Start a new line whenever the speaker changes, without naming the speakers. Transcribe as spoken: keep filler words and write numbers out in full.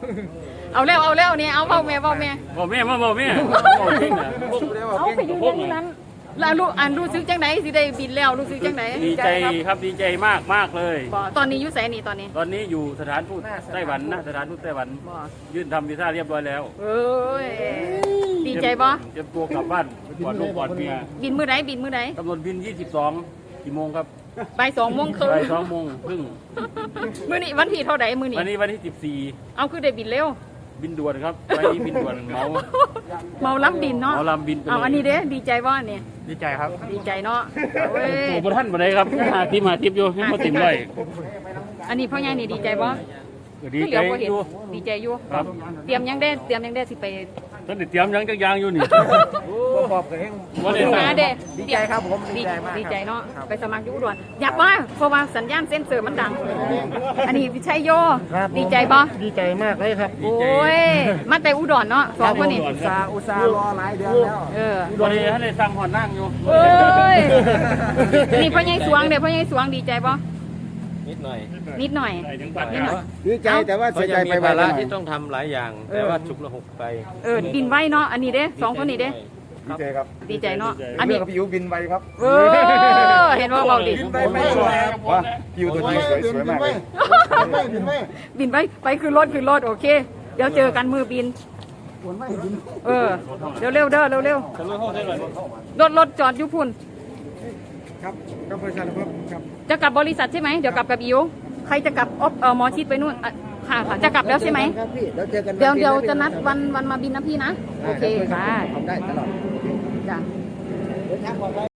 เอาแล้วเอาแล้วเนี่ยเอาเบาแม่เบาแม่
บอกแม่มาบอกแม่บอกจริงเหรอ
เอาไปยืนยันที่นั้นแล้วลูกอ่านรู้สึกจังไหนสิได้บินแล้วรู้สึกจังไหน
ดีใจครับดีใจมากมากเลย
บ่ตอนนี้อยู่ไสนี่ตอนนี้
ตอนนี้อยู่สถานทูตไต้หวันนะสถานทูตไต้หวัน
บ่
ยื่นทำวีซ่าเรียบร้อยแล้ว
เอ้ยดีใจบ่
เตรียมตัวกลับบ้านก่อนลูกก่อนเมีย
บินมื้อใดบินมื้อใด
กำหนดบินยี่สิบสองกี่โมงครับ
บ่ายสองโมงครึ่ง
บ่ายสองโมงครึ่ง
มื้อนี้วันที่เท่าใดมื้อนี้
วันนี้วันที่สิบสี่
เอาคือได้บินเร็ว
บินด่วนครับไปนี้บินด่วนเมา
เมาล้ำบินเนาะ
เมาลำบินไปเลย
เอาอันนี้เด้ดีใจบ่เนี่ย
ดีใจครับ
ดีใจเนาะเว้ย
โอ้โหท่านมาได้ครับหาทิมหาทิมอยู่ให้มาติ่มเลย
อันนี้พ่อใหญ่นี่ดีใจบ่
ดี
ที่เห
ใจ
ลือบ่เห็น
อยู่
ดีใจอยู่
ครับ
เตรียมยังได้เตรียมยังได้สิไป
ท่านได้เตรียมยังจักอยางอยู่นี่
ขอบกับเฮง
วันนี้
หาเด้
ดีใจครับผมดีใจมาก
ดีใจเนาะไปสมัครอยู่อุดรอยากว่าเพราะว่าสัญญาณเซ็นเซอร์มันดัง อันนี้พี่ชัยโยดีใจบ่
ดีใจมากเลยครับ
โอ้ยมาแต่อุดรเนาะสองคนนี่
อุตสาห์อุตสาห์รอหลายเดือนแล้ว
เออ
วันนี้ท่านได้สั่งหอนนั่งอยู่
เอ้ยนี่พ่อใหญ่สวงเด้พ่อใหญ่สวงดีใจบ่
นิดหน่อย
นิดหน่อย
ถึงปัด
นิดหน่อย
ดีใจแต่ว่า
เพ
เสีย
ราะ
ใจ
ยัง
ไป
มี
ไว
ภา
หน่
ระ
อย
ที่ต้องทำหลายอย่าง แต่ว่าฉุกละหกไป
เออบินไว้เนาะอันนี้เด้สองคนนี้เด้
ดีใจครับ
ดีใจเนาะอั
อั
น
น
นี้
นี้กับพี่ยูบินไวครับ
เออเห็นว่าเบาดิ
ไปไม่สวยว่าพี่ยูตัวนี้สวยสวยมากเลย
บินไปไปคือรถคือรถโอเค เดี๋ยวเจอกันมือบินเออเร็วเร็วๆเด้อเร็วเร็วๆรถรถจอดอยู่พุ่น
ครับก็บริษัทครับครับ
จะกลับบริษัทใช่ไหมเดี๋ยวกลับกับอิวใครจะกลับออฟเออหมอชิดไปนู่นอ่ะค่ะค่ะจะกลับแล้วใช่ไหม
ครับพี่เดี๋ยวเจอกัน
เดี๋ยวเดี๋ยวจะนัดวันวันมาบินนะพี่นะโอเคค่ะ
ทำได้ตลอด
จ้ะ